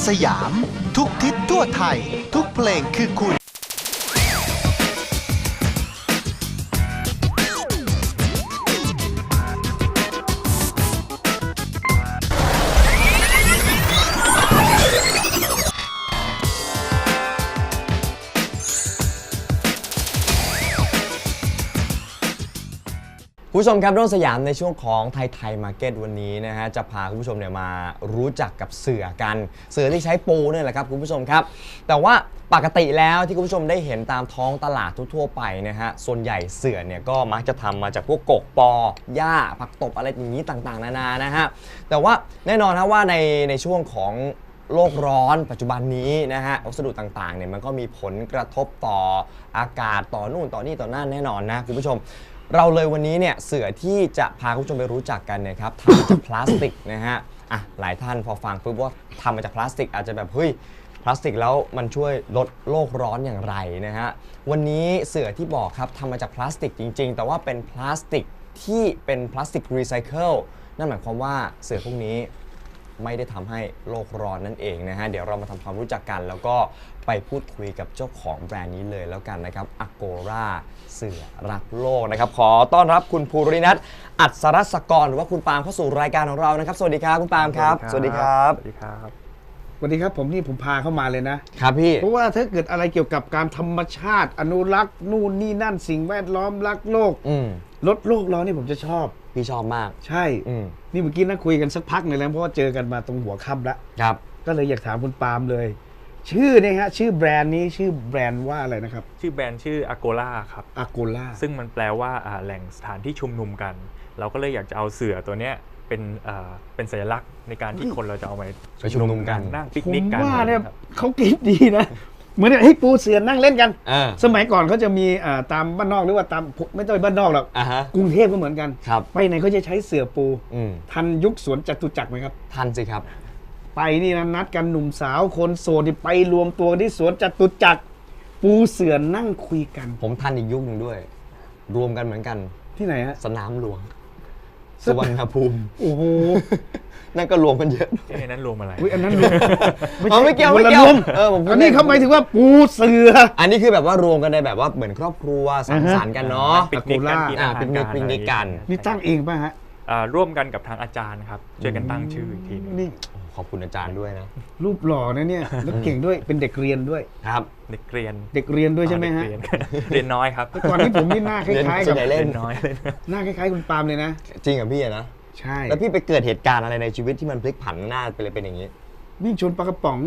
สยามทุกทิศทั่วไทยทุกเพลงคือคุณคุณผู้ชมครับร่วมสยามในช่วงของไทยมาร์เก็ตวันนี้นะฮะจะพาคุณผู้ชมเนี่ยมารู้จักกับเสือกันเสือที่ใช้ปูเนี่ยแหละครับคุณผู้ชมครับแต่ว่าปกติแล้วที่คุณผู้ชมได้เห็นตามท้องตลาดทั่วๆไปนะฮะส่วนใหญ่เสือเนี่ยก็มักจะทำมาจากพวกกกปอหญ้าผักตบอะไรอย่างนี้ต่างๆนานานะฮะแต่ว่าแน่นอนนะว่าในช่วงของโลกร้อนปัจจุบันนี้นะฮะวัสดุต่างๆเนี่ยมันก็มีผลกระทบต่ออากาศต่อนู่นต่อนี่ต่อนั่นแน่นอนนะคุณผู้ชมเราเลยวันนี้เนี่ยเสือที่จะพาคุณผู้ชมไปรู้จักกันนะครับทำมาจากพลาสติกนะฮะหลายท่านพอฟังปุ๊บว่าทำมาจากพลาสติกอาจจะแบบเฮ้ยพลาสติกแล้วมันช่วยลดโลกร้อนอย่างไรนะฮะวันนี้เสือที่บอกครับทำมาจากพลาสติกจริงๆแต่ว่าเป็นพลาสติกที่เป็นพลาสติกรีไซเคิลนั่นหมายความว่าเสือพวกนี้ไม่ได้ทำให้โลกร้อนนั่นเองนะฮะเดี๋ยวเรามาทำความรู้จักกันแล้วก็ไปพูดคุยกับเจ้าของแบรนด์นี้เลยแล้วกันนะครับ Agora เสือรักโลกนะครับขอต้อนรับคุณภูรินัทอัศรศกรหรือว่าคุณปาล์มเข้าสู่รายการของเรานะครับสวัสดีครับคุณปาล์มครับสวัสดีครับสวัสดีครับสวัสดีครับผมพาเข้ามาเลยนะครับพี่เพราะว่าถ้าเกิดอะไรเกี่ยวกับการธรรมชาติอนุรักษ์นู่นนี่นั่นสิ่งแวดล้อมรักโลกลดโลกร้อนนี่ผมจะชอบพี่ชอบมากใช่นี่เมื่อกี้นั่งคุยกันสักพักหนึ่งแล้วเพราะว่าเจอกันมาตรงหัวค่ำแล้วครับก็เลยอยากถามคุณปาล์มเลยชื่อเนี่ยฮะชื่อแบรนด์นี้ชื่อแบรนด์ว่าอะไรนะครับชื่อแบรนด์ชื่อ Agora ครับ Agora ซึ่งมันแปลว่าแหล่งสถานที่ชุมนุมกัน เราก็เลยอยากจะเอาเสือตัวเนี้ยเป็นสัญลักษณ์ในการที่คนเราจะเอาไปชุมนุมกันนั่งปิกนิกกันผมว่าเนี่ยเขาคิดดีนะเหมือนให้ปูเสือนั่งเล่นกันสมัยก่อนเขาจะมีตามบ้านนอกหรือว่าตามไม่ต้องบ้านนอกหรอกกรุงเทพก็เหมือนกันไปไหนเขาจะใช้เสือปูทันยุคสวนจตุจักรไหมครับทันสิครับไปนี่นะนัดกันหนุ่มสาวคนโสดไปรวมตัวที่สวนจตุจักรปูเสือนั่งคุยกันผมทันอีกยุคหนึ่งด้วยรวมกันเหมือนกันที่ไหนฮะสนามหลวงสุวรรณภูมิโอ้โหนั่นก็รวมกันเยอะไอ้นั้นรวมอะไรอันนั้นรวมไม่เกี่ยวอันนี้เขาหมายถึงว่าปูเสืออันนี้คือแบบว่ารวมกันในแบบว่าเหมือนครอบครัวสังสรรค์กันเนาะปิกนิกกันปิกนิกกันนี่ตั้งเองป่ะฮะร่วมกันกับทางอาจารย์ครับช่วยกันตั้งชื่ออีกทีนี่ขอบคุณอาจารย์ด้วยนะรูปหล่อนะเนี่ยแล้วเก่งด้วยเป็นเด็กเรียนด้วยครับเด็กเรียนด้วยใช่ไหมฮะเรียนน้อยครับก่อนที่ผมนี่หน้าคล้ายๆกับเล่นน้อยหน้าคล้ายๆคุณปาล์มเลยนะจริงกับพี่นะใช่แล้วพี่ไปเกิดเหตุการณ์อะไรในชีวิตที่มันพลิกผันหน้าไปเลยเป็นอย่างนี้วิ่งชนปลากระป๋อง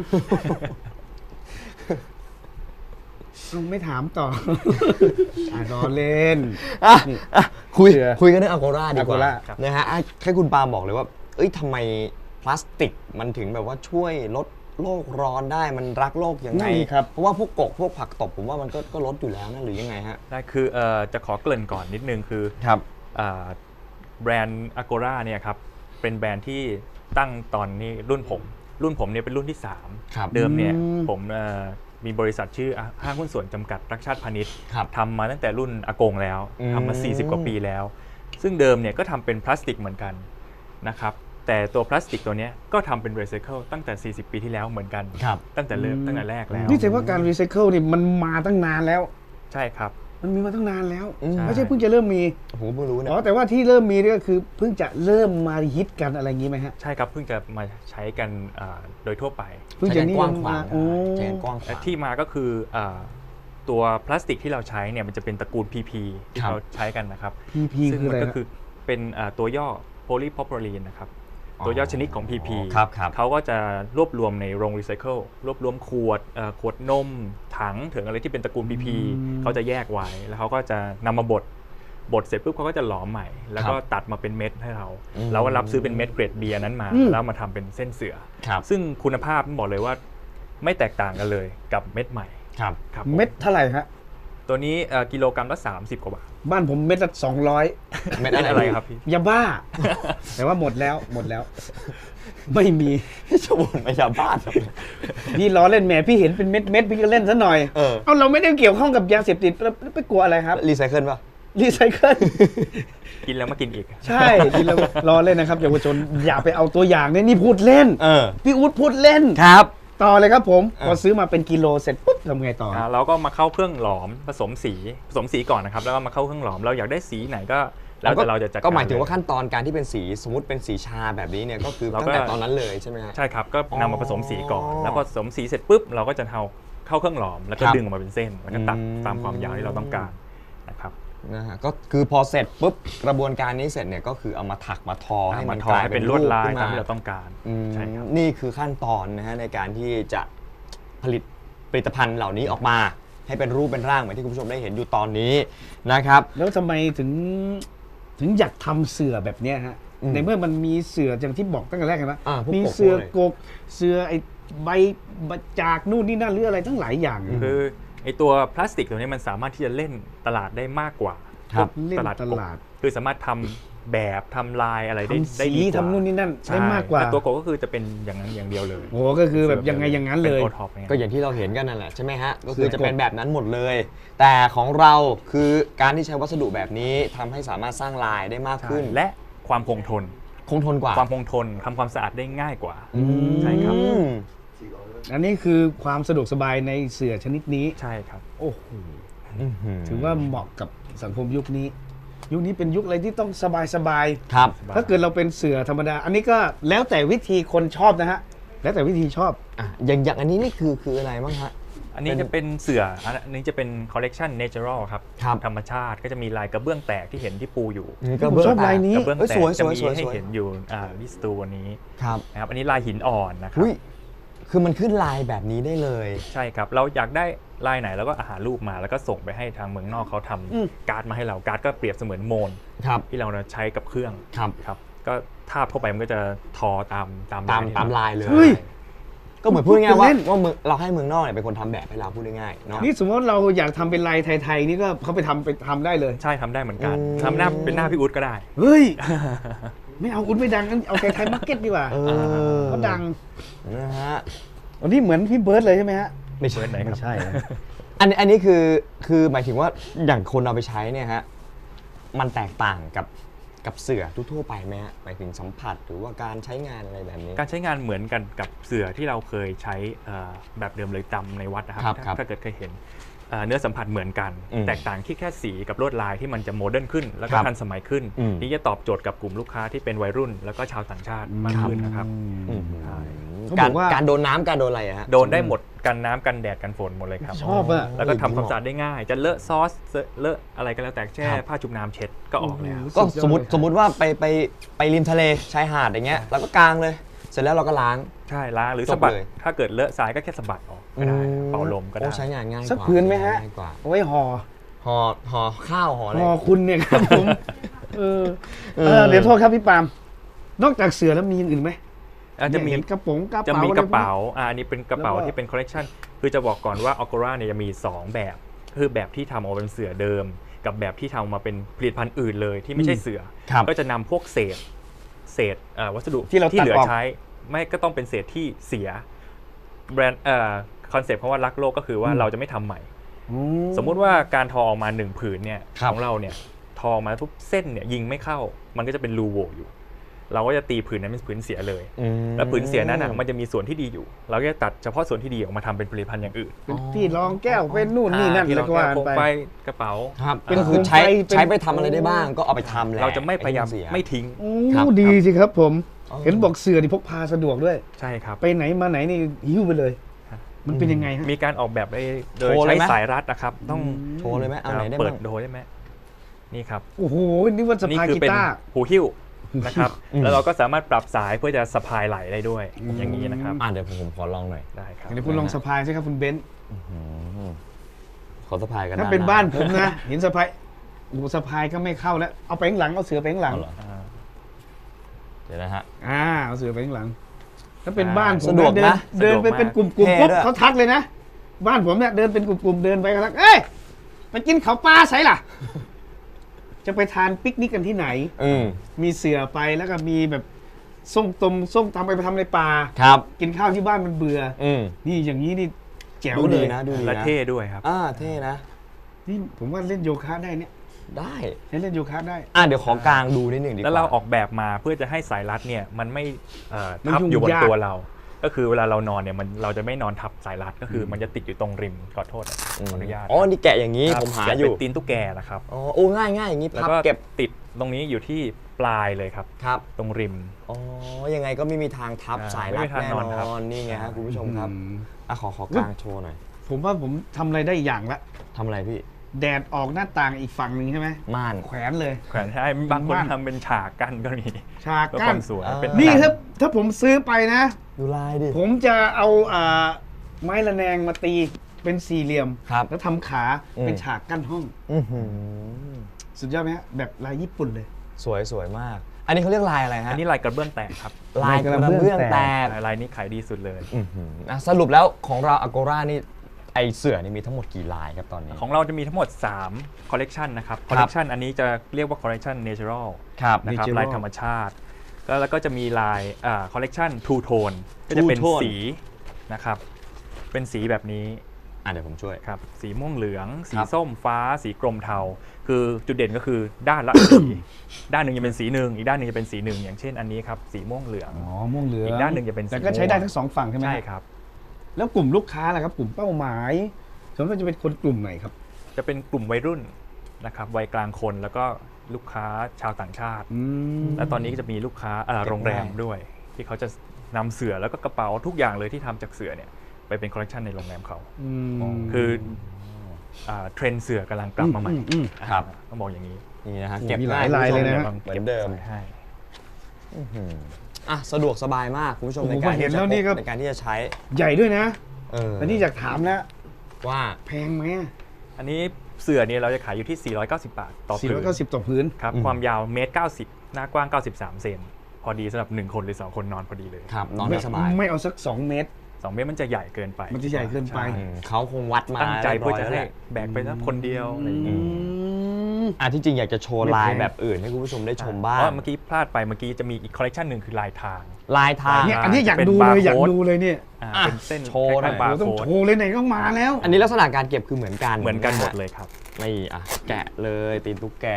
ไม่ถามต่อรอเล่นคุยกันเรื่อง Agora ดีกว่านะฮะให้คุณปาล์มบอกเลยว่าทำไมพลาสติกมันถึงแบบว่าช่วยลดโลกร้อนได้มันรักโลกยังไงครับเพราะว่าพวกผักตบผมว่ามันก็ลดอยู่แล้วนะหรือยังไงฮะได้คือจะขอเกริ่นก่อนนิดนึงคือครับแบรนด์ Agora เนี่ยครับเป็นแบรนด์ที่ตั้งตอนนี้รุ่นผมเนี่ยเป็นรุ่นที่3เดิมเนี่ยผมมีบริษัทชื่อห้างหุ้นส่วนจำกัดรักชาติพาณิชย์ทำมาตั้งแต่รุ่นอากงแล้วทำมา40 กว่าปีแล้วซึ่งเดิมเนี่ยก็ทำเป็นพลาสติกเหมือนกันนะครับแต่ตัวพลาสติกตัวนี้ก็ทำเป็นรีไซเคิลตั้งแต่40 ปีที่แล้วเหมือนกันตั้งแต่แรกแล้วนี่แสดงว่าการรีไซเคิลนี่มันมาตั้งนานแล้วใช่ครับมันมีมาตั้งนานแล้วไม่ใช่เพิ่งจะเริ่มมีผมเพิ่งรู้นะแต่ว่าที่เริ่มมีนี่ก็คือเพิ่งจะเริ่มมาฮิตกันอะไรอย่างนี้ไหมฮะใช่ครับเพิ่งจะมาใช้กันโดยทั่วไปเพิ่งจะกว้างขวางที่มาก็คือตัวพลาสติกที่เราใช้เนี่ยมันจะเป็นตระกูล PP ที่เราใช้กันนะครับ PP ซึ่งมันก็คือเป็นตัวย่อ polypropylene นะครับตัวย่อชนิดของ PP เขาก็จะรวบรวมในโรงรีไซเคิลรวบรวมขวดนมถังถึงอะไรที่เป็นตระกูล PP เขาจะแยกไว้แล้วเขาก็จะนำมาบดเสร็จปุ๊บเขาก็จะหลอมใหม่แล้วก็ตัดมาเป็นเม็ดให้เราแล้วก็รับซื้อเป็นเม็ดเกรด B นั้นมาแล้วมาทำเป็นเส้นเสือซึ่งคุณภาพบอกเลยว่าไม่แตกต่างกันเลยกับเม็ดใหม่เม็ดเท่าไหร่ฮะตัวนี้กิโลกรัมละ30 กว่าบาทบ้านผมเม็ดละ200 เม็ดอะไรครับพี่ยาบ้าแต่ว่าหมดแล้วไม่มีชวนไม่ยาบ้าพี่ล้อเล่นแหมพี่เห็นเป็นเม็ดพี่ก็เล่นซะหน่อยเราไม่ได้เกี่ยวข้องกับยาเสพติดแล้วไปกลัวอะไรครับรีไซเคิลป่ะรีไซเคิลกินแล้วมากินอีกใช่กินแล้วล้อเล่นนะครับเยาวชนอย่าไปเอาตัวอย่างนี่พูดเล่นพี่อู๊ดพูดเล่นครับต่อเลยครับผมพอซื้อมาเป็นกิโลเสร็จปุ๊บทำไงต่อเราก็มาเข้าเครื่องหลอมผสมสีก่อนนะครับแล้วก็มาเข้าเครื่องหลอมเราอยากได้สีไหนก็แล้วแต่เราจะจัดการก็หมายถึงว่าขั้นตอนการที่เป็นสีสมมติเป็นสีชาแบบนี้เนี่ยก็คือตั้งแต่ตอนนั้นเลยใช่ไหมฮะใช่ครับก็นำมาผสมสีก่อนแล้วพอผสมสีเสร็จปุ๊บเราก็จะเข้าเครื่องหลอมแล้วก็ดึงออกมาเป็นเส้นแล้วก็ตัดตามความยาวที่เราต้องการนะครับนะฮะก็คือพอเสร็จปุ๊บกระบวนการนี้เสร็จเนี่ยก็คือเอามาถักมาทอให้มันกลายเป็นลวดลายขึ้นตามที่เราต้องการใช่ครับนี่คือขั้นตอนนะฮะในการที่จะผลิตผลิตภัณฑ์เหล่านี้ออกมาให้เป็นรูปเป็นร่างเหมือนที่คุณผู้ชมได้เห็นอยู่ตอนนี้นะครับแล้วทำไมถึงอยากทำเสื่อแบบเนี้ยฮะในเมื่อมันมีเสื่ออย่างที่บอกตั้งแต่แรกกันว่ามีเสื่อกกเสื่อไอ้ใบจากนู่นนี่นั่นหรืออะไรทั้งหลายอย่างคือไอ้ตัวพลาสติกตัวนี้มันสามารถที่จะเล่นตลาดได้มากกว่าตลาดคือสามารถทำแบบทำลายอะไรได้ดีกว่าทำนู่นนี่นั่นได้มากกว่าตัวโกก็คือจะเป็นอย่างนั้นอย่างเดียวเลยโอ้ก็คือแบบยังไงอย่างนั้นเลยก็อย่างที่เราเห็นกันนั่นแหละใช่ไหมฮะก็คือจะเป็นแบบนั้นหมดเลยแต่ของเราคือการที่ใช้วัสดุแบบนี้ทำให้สามารถสร้างลายได้มากขึ้นและความคงทนกว่าความคงทนทำความสะอาดได้ง่ายกว่าใช่ครับอันนี้คือความสะดวกสบายในเสื่อชนิดนี้ใช่ครับโอ้โหถือว่าเหมาะกับสังคมยุคนี้เป็นยุคอะไรที่ต้องสบายครับถ้าเกิดเราเป็นเสือธรรมดาอันนี้ก็แล้วแต่วิธีคนชอบนะฮะแล้วแต่วิธีชอบอย่างอันนี้นี่คืออะไรบ้างฮะอันนี้จะเป็นเสืออันนี้จะเป็นคอลเลกชันเนเจอรัลครับธรรมชาติก็จะมีลายกระเบื้องแตกที่เห็นที่ปูอยู่ชอบลายนี้กระเบื้องแตกจะมีให้เห็นอยู่ที่สตูวันนี้นะครับอันนี้ลายหินอ่อนนะครับคือมันขึ้นลายแบบนี้ได้เลยใช่ครับเราอยากได้ลายไหนแล้วก็หารูปมาแล้วก็ส่งไปให้ทางเมืองนอกเขาทำการ์ดมาให้เราการ์ดก็เปรียบเสมือนโมนที่เราใช้กับเครื่องครับก็ทาบเข้าไปมันก็จะทอตามลายเลยก็เหมือนพูดง่ายๆว่าเราให้เมืองนอกเนี่ยเป็นคนทำแบบให้เราพูดง่ายๆเนาะนี่สมมติเราอยากทำเป็นลายไทยๆนี่ก็เขาไปทำได้เลยใช่ทำได้เหมือนกันทำหน้าเป็นหน้าพี่อุ๊ดก็ได้เฮ้ยไม่เอาอุ๊ดไม่ดังงั้นเอาไทยมาร์เก็ตดีกว่าเขาดังนะฮะอันนี้เหมือนพี่เบิร์ดเลยใช่ไหมฮะไม่ใช่ไหนครับไม่ใช่อันนี้คือหมายถึงว่าอย่างคนเอาไปใช้เนี่ยฮะมันแตกต่างกับเสื่อทั่วไปไหมฮะหมายถึงสัมผัสหรือว่าการใช้งานอะไรแบบนี้การใช้งานเหมือนกันกับเสื่อที่เราเคยใช้แบบเดิมเลยจำในวัดนะครับถ้าเกิดเคยเห็นเนื้อสัมผัสเหมือนกันแตกต่างที่แค่สีกับลวดลายที่มันจะโมเดิร์นขึ้นแล้วก็ทันสมัยขึ้นนี่จะตอบโจทย์กับกลุ่มลูกค้าที่เป็นวัยรุ่นแล้วก็ชาวต่างชาติมากขึ้นนะครับการโดนน้ำการโดนอะไรฮะโดนได้หมดกันน้ำกันแดดกันฝนหมดเลยครับชอบอะแล้วก็ทำความสะอาดได้ง่ายจะเลอะซอสเลอะอะไรก็แล้วแต่แช่ผ้าชุบน้ำเช็ดก็ออกแล้วก็สมมติว่าไปริมทะเลชายหาดอย่างเงี้ยแล้วก็กางเลยเสร็จแล้วเราก็ล้างใช่ล้างหรือสะบัดถ้าเกิดเลอะทรายก็แค่สะบัดออกก็ได้เป่าลมก็ได้ใช้งานง่ายกว่าสักพื้นไหมฮะไว้ห่อข้าวห่ออะไรห่อคุณเนี่ยครับผมเดี๋ยวโทษครับพี่ปาล์มนอกจากเสือแล้วมีอย่างอื่นไหมจะมีกระป๋องจะมีกระเป๋าอันนี้เป็นกระเป๋าที่เป็นคอลเลกชันคือจะบอกก่อนว่าออโกราเนี่ยจะมี2แบบคือแบบที่ทำออกเป็นเสือเดิมกับแบบที่ทำมาเป็นผลิตภัณฑ์อื่นเลยที่ไม่ใช่เสือก็จะนำพวกเศษวัสดุที่เหลือใช้ไม่ก็ต้องเป็นเศษที่เสียแบรนด์คอนเซ็ปต์เพราะว่ารักโลกก็คือว่าเราจะไม่ทำใหม่สมมุติว่าการทอออกมา1ผืนเนี่ยของเราเนี่ยทอมาทุกเส้นเนี่ยยิงไม่เข้ามันก็จะเป็นรูโหว่อยู่เราก็จะตีผืนนั้นเป็นผืนเสียเลยแล้วผืนเสียนั้นมันจะมีส่วนที่ดีอยู่เราก็จะตัดเฉพาะส่วนที่ดีออกมาทำเป็นผลิตภัณฑ์อย่างอื่นเป็นที่รองแก้วเป็นนู่นนี่นั่นแล้วก็ว่าไปกระเป๋าก็คือใช้ไปทำอะไรได้บ้างก็เอาไปทำแหละเราจะไม่พยายามไม่ทิ้งดีสิครับผมเห็นบอกเสือที่พกพาสะดวกด้วยใช่ครับไปไหนมาไหนนี่หิ้วไปเลยมันเป็นยังไงฮะมีการออกแบบโดยใช้สายรัดนะครับต้องโชว์เลยไหมเอาไหนได้เปิดโดยได้ไหมนี่ครับโอ้โหนี่ว่าสะพายกีตาร์หูหิ้วนะครับแล้วเราก็สามารถปรับสายเพื่อจะสะพายไหลได้ด้วยอย่างนี้นะครับเดี๋ยวผมขอลองหน่อยได้ครับเดี๋ยวคุณลองสะพายใช่ครับคุณเบนซ์ขอสะพายกันถ้าเป็นบ้านผมนะเห็นสะพายสะพายก็ไม่เข้าแล้วเอาไปข้างหลังเอาเสือไปข้างหลังเดี๋ยวนะฮะเอาเสือไปข้างหลังถ้าเป็นบ้านผมเดินไปเป็นกลุ่มปุ๊บเขาทักเลยนะบ้านผมเนี่ยเดินเป็นกลุ่มเดินไปเขาทักเอ้ยไปกินข้าวปลาใส่ล่ะจะไปทานปิกนิกกันที่ไหนมีเสือไปแล้วก็มีแบบส้มตำไปทำในป่ากินข้าวที่บ้านมันเบื่อนี่อย่างนี้นี่แจ๋วเลยนะดูดีและเท่ด้วยครับเท่นะนี่ผมว่าเล่นโยคะได้เนี่ยได้เล่นโยคะได้เดี๋ยวขอกลางดูนิดหนึ่งดีกว่าแล้วเราออกแบบมาเพื่อจะให้สายรัดเนี่ยมันไม่ทับอยู่บนตัวเราก็คือเวลาเรานอนเนี่ยเราจะไม่นอนทับสายรัดก็คือมันจะติดอยู่ตรงริมขอโทษนะขออนุญาตอ๋อนี่แกะอย่างนี้ครับผมหาแกะอเป็ยู่นตีนตุ๊กแกนะครับอ๋อโอ้ง่ายอย่างนี้แล้วพับก็เก็บติดตรงนี้อยู่ที่ปลายเลยครับครับตรงริมอ๋อยังไงก็ไม่มีทางทับสายรัดไม่มีทางแน่นอนครับนอนนี่ไงครับคุณผู้ชมครับอ่ะขอกางโชว์หน่อยผมว่าผมทำอะไรได้อย่างละทำอะไรพี่แดดออกหน้าต่างอีกฝั่งหนึ่งใช่ไหมม่านแขวนเลยแขวนให้บางคนม่านทำเป็นฉากกั้นก็มีฉากเพื่อกั้คน วามสวยเป็นนี่หงถ้าผมซื้อไปนะดูลายดิผมจะเอาไม้ระแนงมาตีเป็นสี่เหลี่ยมครับแล้วทำขาเป็นฉากกั้นห้องอื้อหือสุดยอดไหมฮะแบบลายญี่ปุ่นเลยสวยมาก อันนี้เขาเรียกลายอะไรฮะอันนี้ลายกระเบื้องแตกครับลายกระเบื้องแตกลายนี้ขายดีสุดเลยอื้อหืออ่ะสรุปแล้วของเรา Agora นี่ไอเสือนี่มีทั้งหมดกี่ลายครับตอนนี้ของเราจะมีทั้งหมด3คอลเลกชันนะครับคอลเลกชันอันนี้จะเรียกว่าคอลเลกชัน Natural ครับนะครับ Natural ลายธรรมชาติแล้วก็จะมีลายคอลเลกชัน Two Tone ก็จะเป็น Two Tone สีนะครับเป็นสีแบบนี้เดี๋ยวผมช่วยครับสีม่วงเหลือง สีครับส้มฟ้า สีกรมเทาคือจุดเด่นก็คือด้านละ สี ด้านหนึ่งจะเป็นสีหนึ่งอีกด้านหนึ่งจะเป็นสีหนึ่งอย่างเช่นอันนี้ครับสีม่วงเหลืองอ๋อม่วงเหลืองอีกด้านหนึ่งจะเป็นสีแต่ก็ใช้ได้ทั้งสองฝั่งใช่ไหมใช่ครับแล้วกลุ่มลูกค้าล่ะครับ กลุ่มเป้าหมายส่วนมากจะเป็นคนกลุ่มไหนครับจะเป็นกลุ่มวัยรุ่นนะครับวัยกลางคนแล้วก็ลูกค้าชาวต่างชาติ และตอนนี้ก็จะมีลูกค้าโรงแรมด้วย ที่เขาจะนำเสื่อแล้วก็กระเป๋าทุกอย่างเลยที่ทำจากเสื่อเนี่ยไปเป็นคอลเลกชันในโรงแรมเขาคือเทรนด์เสื่อกำลังกลับมาใหม่ครับต้องบอกอย่างนี้นี่นะฮะโอ้เก็บมีหลายลายเลยนะเหมือนเดิมให้อ่ะสะดวกสบายมากคุณผู้ชมโอ้โหในการเห็ที่นจะแล้วนี่ก็ในการที่จะใช้ใหญ่ด้วยนะอัอันนี้อยากถามนะว่าแพงไหมอันนี้เสื่อเนี่ยเราจะขายอยู่ที่ 490 บาทต่อผืน 490ต่อพื้นครับความยาวเมตร90หน้ากว้าง 93 เซนพอดีสำหรับ1คนหรือ2คนนอนพอดีเลยครับนอนได้สบายไม่เอาสัก 2 เมตร 2 เมตรมันจะใหญ่เกินไปมันจะใหญ่เกินไปช่เขาคงวัดมาตั้งใจเพื่อจะให้รียบร้ยแล้วแหลแบกไปสักคนเดียวอะไรอย่างนี้ที่จริงอยากจะโชว์ไม่ลายแพงแบบอื่นให้คุณผู้ชมได้ชมบ้าเพงราะเมื่อกี้พลาดไปเมื่อกี้จะมีอีกคอลเลกชันหนึ่งคือลายทางลายทางเนี่ยอันนี้อยากเป็นดูเลยบาร์โค้ดอยากดูเลยเนี่ยเป็นเส้นโชว์หน่อยคล้ายๆบาร์ต้องโค้ดโชว์เลยไหนต้องมาแล้วอันนี้ลักษณะการเก็บคือเหมือนกันเหมือนกันหมดเลยครับนี่แกะเลยตีนตุ๊กแก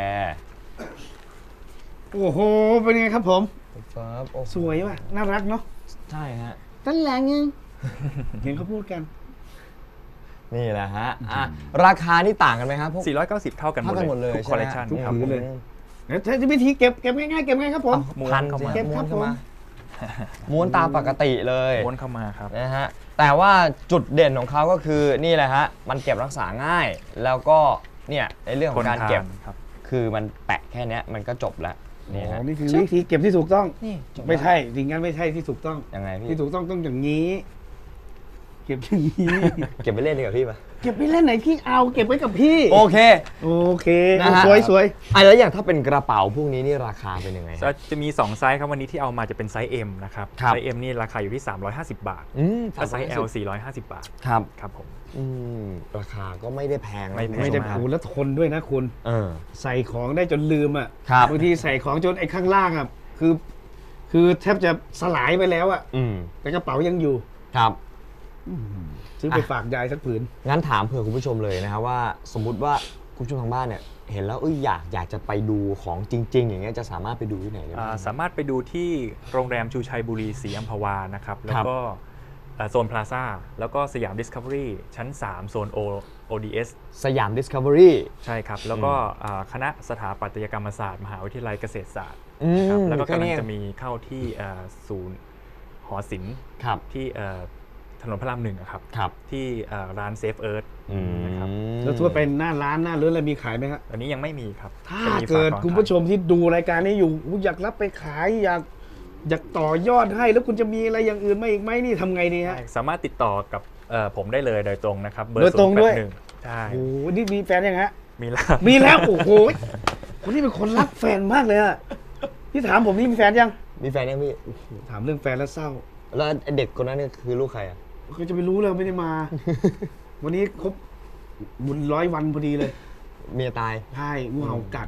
โอ้โห เป็นไงครับผมครับโอ้สวยว่ะ น่ารักเนาะใช่ฮะตั้นแหลงยังเห็นเขาพูดกันนี่แหละฮะราคานี่ต่างกันไหมครับพวก 490 เท่ากันหมเท่าดกันหมดเลยทุกคอลเลกชันใช่ไหมครับทุกผืนเลย แล้วใช้วิธีเก็บง่ายๆเก็บง่ายครับผมม้วนพันเข้าสิมาเก็บม้วนเข้าครับผมมาม้วนตามปกติเลยม้วนเข้ามาครับนะฮะแต่ว่าจุดเด่นของเขาก็คือนี่แหละฮะมันเก็บรักษาง่าย แล้วก็เนี่ยในเรื่องของการเก็บครับคือมันแปะแค่เนี้ยมันก็จบแล้วนี่อ๋ฮะอ นี่คือวิธีเก็บที่ถูกต้องนี่จบแล้วไม่ใช่จริงงั้นไม่ใช่ที่ถูกต้องยังไงพี่ที่ถูกต้องอย่างนี้ เก็บอย่างนี้เก็บไปเล่นดีกว่าพี่ปะเก็บไปเล่นไหนพี่เอาเก็บไว้กับพี่โอเคโอเคนะฮะสวยแล้วอย่างถ้าเป็นกระเป๋าพวกนี้นี่ราคาเป็นยังไงฮะจะมี 2 ไซส์ครับวันนี้ที่เอามาจะเป็นไซส์ M นะครับครับไซส์ M นี่ราคาอยู่ที่ 350 บาท ถ้าไซส์ L 450 บาทครับครับผมราคาก็ไม่ได้แพงนะไม่แพงไม่ได้ผูแล้วทนด้วยนะคุณ ใส่ของได้จนลืมอ่ะครับบางทีใส่ของจนไอ้ข้างล่างอ่ะคือแทบจะสลายไปแล้วอ่ะ แต่กระเป๋ายังอยู่ครับซื้อไปฝากยายสักผืนงั้นถามเผื่อคุณผู้ชมเลยนะครับว่าสมมุติว่าคุณผู้ชมทางบ้านเนี่ยเห็นแล้วอยากจะไปดูของจริง ๆ อย่างเงี้ยจะสามารถไปดูที่ไหนได้บ้างสามารถไปดูที่โรงแรมชูชัยบุรีศรีอัมพวานะครับ แล้วก็โซนพลาซ่า แล้วก็สยามดิสคัฟเวอรี่ชั้น 3 โซน ODS สยาม Discovery ใช่ครับ แล้วก็คณะสถาปัตยกรรมศาสตร์มหาวิทยาลัยเกษตรศาสตร์ครับแล้วก็กำลังจะมีเข้าที่ศูนย์หอศิลป์ครับที่ถนนพระราม 1ครับครับที่ร้านเซฟเอิร์ธนะครับแล้วทั่วไปหน้าร้านหน้าเรือนอะไรมีขายไหมครับอันนี้ยังไม่มีครับถ้าจะมีเกิดฝก่อนคุณผู้ชมที่ดูรายการนี้อยู่อยากรับไปขายอยากต่อยอดให้ แล้วคุณจะมีอะไรอย่างอื่นมาอีกไหมนี่ทำไงดีฮะใช่สามารถติดต่อกับผมได้เลยโดยตรงนะครับเบอโดยร์ตรงด้วย 081ใช่โอ้โหนี่มีแฟนยังฮะมีแล้วมีแล้ว โอ้โหคนนี้เป็นคนรักแฟนมากเลยอะพี่ถามผมนี่มีแฟนยังมีแฟนยังพี่ถามเรื่องแฟนแล้วเศร้าแล้วเด็กคนนั้นเนี่ยคือลูกใครอ่ะเขาจะไปรู้เลยไม่ได้มา วันนี้ครบบุญ100 วันพอดีเลยเมียตายใช่งูเห่ากัด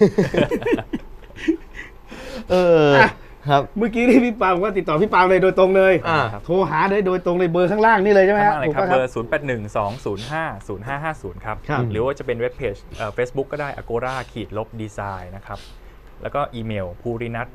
ครับเมื่อกี้ที่พี่ปาบอกว่าติดต่อพี่ปาเลยโดยตรงเลยครับโทรหาเลยโดยตรงเลยเบอร์ข้างล่างนี่เลยใช่ไหมข้างฮะล่างเลยถูกครับปะเบอร์ 0812050550 ครับครับหรือว่าจะเป็นเว็บเพจFacebook ก็ได้ agora-design นะครับแล้วก็อีเมล purinat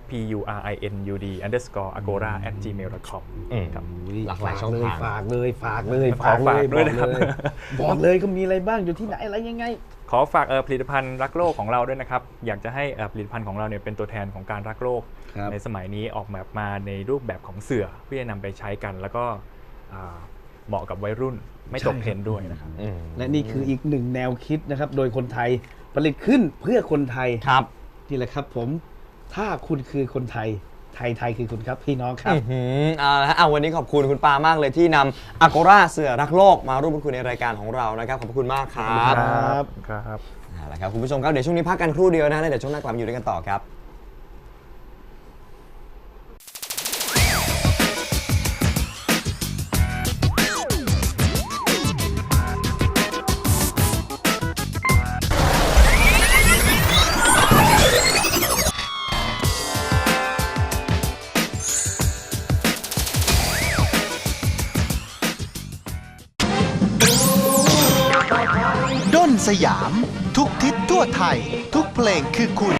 purinud_agora@gmail.com ครับหลากหลายช่องทางฝากเลยด้วยนะครับบอกเลยก็มีอะไรบ้างอยู่ที่ไหนอะไรยังไงขอฝากผลิตภัณฑ์รักโลกของเราด้วยนะครับ อยากจะให้ผลิตภัณฑ์ของเราเนี่ยเป็นตัวแทนของการรักโลกครับในสมัยนี้ออกแบบมาในรูปแบบของเสื่อเพื่อจะนำไปใช้กัน แล้วก็เหมาะกับวัยรุ่นไม่ตกเทรนด์ด้วยนะครับและนี่คืออีกหนึ่งแนวคิดนะครับ โดยคนไทยผลิตขึ้นเพื่อคนไทยครับนี่แหละครับผมถ้าคุณคือคนไทยไทยคือคุณครับพี่น้องครับเอาละฮะวันนี้ขอบคุณคุณปามากเลยที่นำ Agora เสื่อรักโลกมาร่วมพูดคุยในรายการของเรานะครับขอบคุณมากครับครับเอาละครับคุณผู้ชมครับเดี๋ยวช่วงนี้พักกันครู่เดียวนะแล้วเดี๋ยวช่วงหน้ากลับมาอยู่ด้วยกันต่อครับด้นสยาม ทุกทิศทั่วไทย ทุกเพลงคือคุณ